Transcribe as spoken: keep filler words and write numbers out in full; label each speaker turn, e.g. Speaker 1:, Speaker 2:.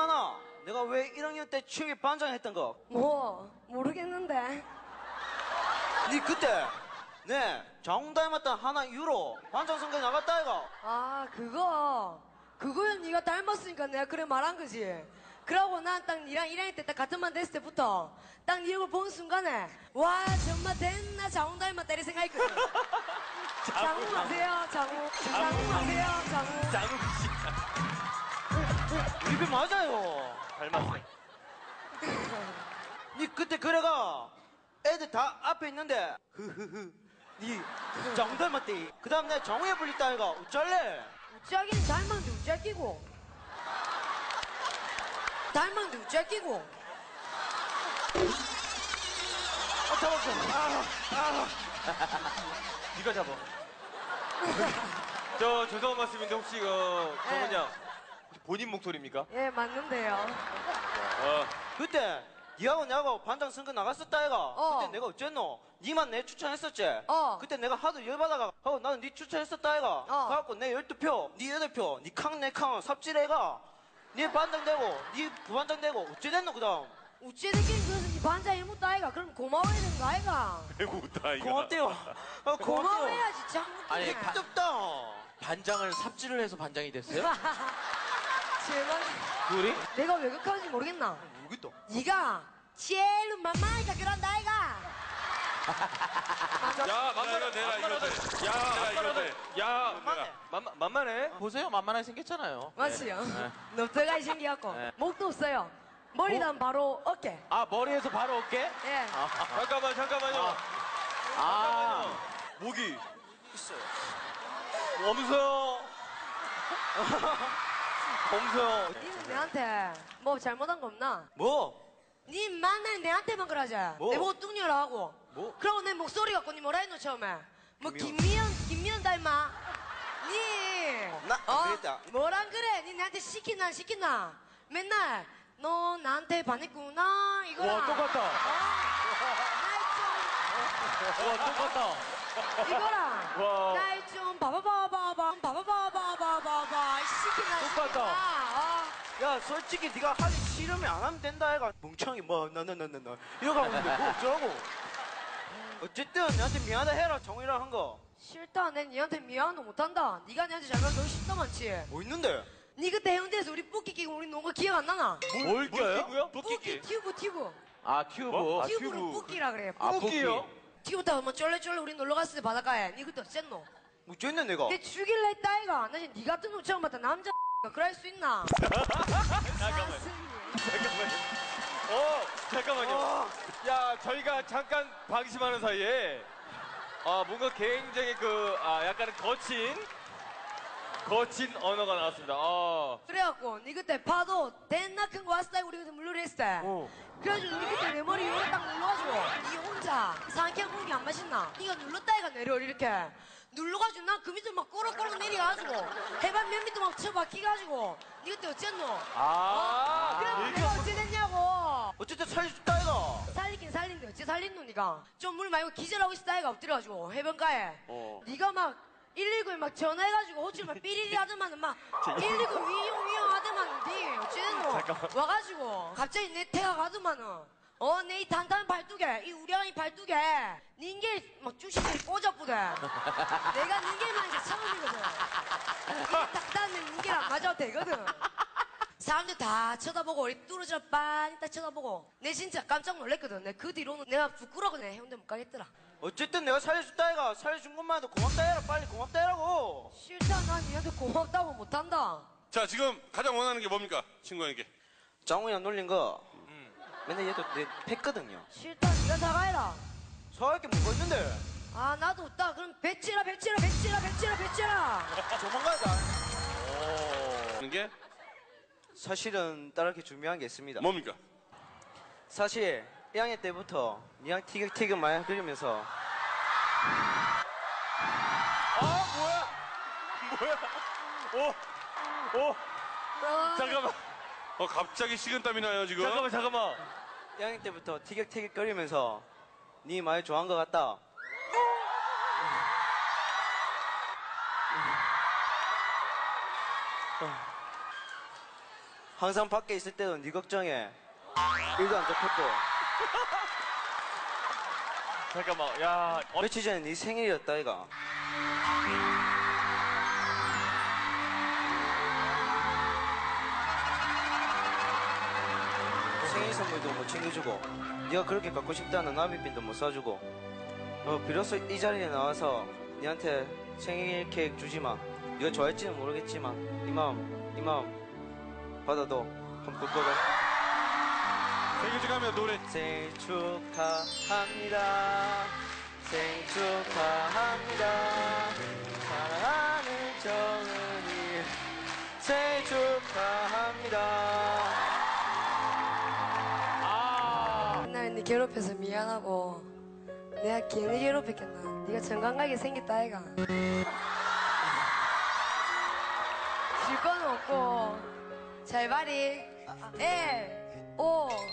Speaker 1: 기억나나? 내가 왜 일 학년 때 체육회 반장했던 거?
Speaker 2: 뭐 모르겠는데.
Speaker 1: 니 그때 네 장훈 닮았던 하나 이후로 반장 선거에 나갔다 아이가?
Speaker 2: 아 그거 그거야 네가 닮았으니까 내가 그래 말한 거지. 그러고 난 딱 니랑 일 학년 때 딱 같은 반 됐을 때부터 딱 니 얼굴 본 순간에 와 정말 됐나 장훈 닮았다 이런 생각했거든. 장훈 아세요? 장훈 장훈 아세요? 장훈
Speaker 3: 장훈 씨.
Speaker 1: 이게 맞아요.
Speaker 3: 닮았어요.
Speaker 1: 니 그때 그래가 애들 다 앞에 있는데 흐흐흐 니 장훈 닮았대. 그 다음 내가 장훈에 불렸다 아이가. 어쩔래?
Speaker 2: 우짜기는 닮았는데 우짜기고 닮았는데 우짜기고
Speaker 1: 아 잡았어. 아, 아.
Speaker 3: 네가 잡아. 저 죄송한 말씀인데 혹시 그 정은
Speaker 2: 네.
Speaker 3: 양 본인 목소리입니까?
Speaker 2: 예 맞는데요.
Speaker 3: 어.
Speaker 1: 그때 니하고 내하고 반장 선거 나갔었다 아이가.
Speaker 2: 어.
Speaker 1: 그때 내가 어쨌노? 니만 내 추천했었지?
Speaker 2: 어.
Speaker 1: 그때 내가 하도 열받아가 하고 나는 니 추천했었다 아이가.
Speaker 2: 어.
Speaker 1: 그래갖고 내 열두 표, 니 여덟 표, 니 캉 내 캉 삽질해가 니 반장 되고 니 부반장 되고 어째 됐노 그 다음?
Speaker 2: 우찌들끼리 그래서 니 반장 일못도 아이가. 그럼 고마워야 되는 거 아이가.
Speaker 3: 배고프다 이거.
Speaker 1: 고맙대요. 아, 고맙대요.
Speaker 2: 고마워해야지 참.
Speaker 4: 아니,
Speaker 2: 웃기네.
Speaker 4: 가-
Speaker 1: 덥다.
Speaker 4: 반장을 삽질을 해서 반장이 됐어요?
Speaker 2: 제발.
Speaker 4: 둘이?
Speaker 2: 내가 왜 그렇게 모르겠나?
Speaker 1: 모르겠다.
Speaker 2: 네가 제일 만만하니까 그런다 아이가.
Speaker 3: 야 만만해 내라 이거 돼. 야 만만해. 야
Speaker 1: 만만해.
Speaker 3: 만만 만만해.
Speaker 4: 보세요, 만만하게 생겼잖아요.
Speaker 2: 맞지요?
Speaker 4: 네.
Speaker 2: 넙대가이 생겨갖고
Speaker 4: 네.
Speaker 2: 목도 없어요. 머리단 바로 어깨.
Speaker 4: 아, 머리에서 바로 어깨?
Speaker 2: 예.
Speaker 3: 잠깐만 잠깐만요.
Speaker 4: 아,
Speaker 3: 목이
Speaker 1: 있어요.
Speaker 3: 없어요.
Speaker 1: 범서요.
Speaker 2: 니는 내한테 뭐 잘못한 거 없나?
Speaker 1: 뭐?
Speaker 2: 니 만날 내한테만 그러지.
Speaker 1: 뭐?
Speaker 2: 내 보고 뚱녀라 하고.
Speaker 1: 뭐?
Speaker 2: 그러고 내 목소리 갖고 니 뭐라 했노 처음에? 뭐
Speaker 1: 김미연.
Speaker 2: 김미연 김미연 닮아? 니
Speaker 1: 나 안 그랬다.
Speaker 2: 뭐란 그래? 니 나한테 시키나 안 시키나? 맨날 너 나한테 반했구나 이거랑.
Speaker 4: 와, 똑같다.
Speaker 2: 어?
Speaker 4: 와, 똑같다.
Speaker 2: 날 좀 이거랑.
Speaker 3: 와.
Speaker 2: 날 좀 바바바바바 바바바바바바바 시키나
Speaker 4: 똑같다.
Speaker 2: 시키나. 어?
Speaker 1: 야 솔직히 네가 하기 싫으면 안 하면 된다 애가. 멍청이 뭐 나나나나나 이러고 하고 있는데 뭐 어쩌라고. 어쨌든 내한테 미안하다 해라. 정이랑 한 거.
Speaker 2: 싫다. 내 니한테 미안도 못한다. 네가 내한테 잘못한 너 싫다 많지.
Speaker 1: 뭐 있는데?
Speaker 2: 니 그때 해운대에서 우리 뿌끼 끼고 우리 논 거 기억 안 나나?
Speaker 4: 뭘 껴요?
Speaker 3: 끼고요?
Speaker 2: 뿌끼 튜브 튜브.
Speaker 4: 아, 튜브.
Speaker 3: 뭐? 아,
Speaker 2: 튜브를
Speaker 3: 튜브.
Speaker 2: 뿌끼라 그래.
Speaker 4: 아,
Speaker 3: 뿌끼요?
Speaker 2: 튜브 타고 뭐 쫄래쫄래 우리 놀러 갔을 때 바닷가에. 니 그때 어쨌노?
Speaker 1: 뭐 어쨌네 내가.
Speaker 2: 내 죽일라 했다 아이가. 나 지금 니 같은 놈 처음 봤다. 남자 그럴 수 있나?
Speaker 3: 잠깐만. 잠깐만요. 어, 잠깐만요. 야, 저희가 잠깐 방심하는 사이에 아, 뭔가 굉장히 그, 아, 약간은 거친, 거친 언어가 나왔습니다. 아.
Speaker 2: 그래갖고 니 그때 파도 대나 큰 거 왔을 때 우리 그때 물놀이 했을 때.
Speaker 1: 어.
Speaker 2: 그래가지고 니 그때 내 머리 요렇게 딱 눌러가지고 니 혼자 상쾌한 공기 안 마셨나? 니가 눌렀다 이가 내려 이렇게 눌러가지고 난 그 밑으로 막 꼬락꼬락 내려가지고 해발 몇 미터 막 쳐박히가지고 니 그때 어쨌노?
Speaker 3: 아.
Speaker 2: 어? 그래 내가 어찌 됐냐고.
Speaker 1: 어쨌든 살려줬다 애가.
Speaker 2: 살리긴 살린데 어찌 살린노 니가? 좀 물 말고 기절하고 있었다 이가 엎드려가지고 해변가에.
Speaker 1: 어.
Speaker 2: 니가 막 일일구에 막 전화해가지고 호출 막 삐리리 하더만은 막 일일구 위용 위용 하더만은 니 어찌 됐노? 와가지고 갑자기 내 태가 가더만은 어, 내 이 단단한 발두개, 이 우량한 발두개, 닌게 막 주식이 꽂았거든. 내가 닌게만 이제 처음이거든. 이 딱딱한 닌게랑 맞아도 되거든. 사람들 다 쳐다보고 우리 뚫어져 빤히 딱 쳐다보고 내 진짜 깜짝 놀랐거든. 내 그 뒤로는 내가 부끄러워 내 해운대 못 가겠더라.
Speaker 1: 어쨌든 내가 살려줬다 애가. 살려준 것만 해도 고맙다 해라. 빨리 고맙다 해라고.
Speaker 2: 싫다. 난 니한테 고맙다고 못한다.
Speaker 5: 자, 지금 가장 원하는 게 뭡니까? 친구에게.
Speaker 1: 장훈이랑 놀린 거 맨날 얘도 내 팼거든요.
Speaker 2: 싫다. 니가 사과해라.
Speaker 1: 사할 게 뭐가 있는데?
Speaker 2: 아 나도 없다. 그럼 배치라 배치라 배치라 배치라 배치라.
Speaker 1: 조만간 가.
Speaker 5: 하는 게
Speaker 1: 사실은 따르게 준비한 게 있습니다.
Speaker 5: 뭡니까?
Speaker 1: 사실 일 학년 때부터 니랑 티격태격 많이 그리면서
Speaker 3: 아, 뭐야? 뭐야? 오, 오,
Speaker 2: 어,
Speaker 3: 잠깐만.
Speaker 5: 어, 갑자기 식은땀이 나요, 지금.
Speaker 3: 잠깐만, 잠깐만.
Speaker 1: 일 학년 때부터 티격태격 거리면서 니 많이 좋아한 것 같다. 항상 밖에 있을 때도 네 걱정해. 일도 안 잡혔고.
Speaker 3: 잠깐만, 야, 어,
Speaker 1: 며칠 전에 네 생일이었다, 이가. 생일 선물도 못 챙겨주고, 네가 그렇게 갖고 싶다는 나비빈도 못 사주고, 어, 비로소 이 자리에 나와서 네한테 생일 케이크 주지마. 네가 좋아할지는 모르겠지만 이 마음, 이 마음 받아도 한번 꿀거든.
Speaker 5: 생일 축하합니다, 노래.
Speaker 1: 생일 축하합니다. 생일 축하합니다. 사랑하는 정은이 생일 축하합니다.
Speaker 2: 맨날 네 괴롭혀서 미안하고 내가 괜히 괴롭혔겠나. 네가 정감각이 생겼다 아이가. 줄 건 없고 잘 봐리. 일, 오,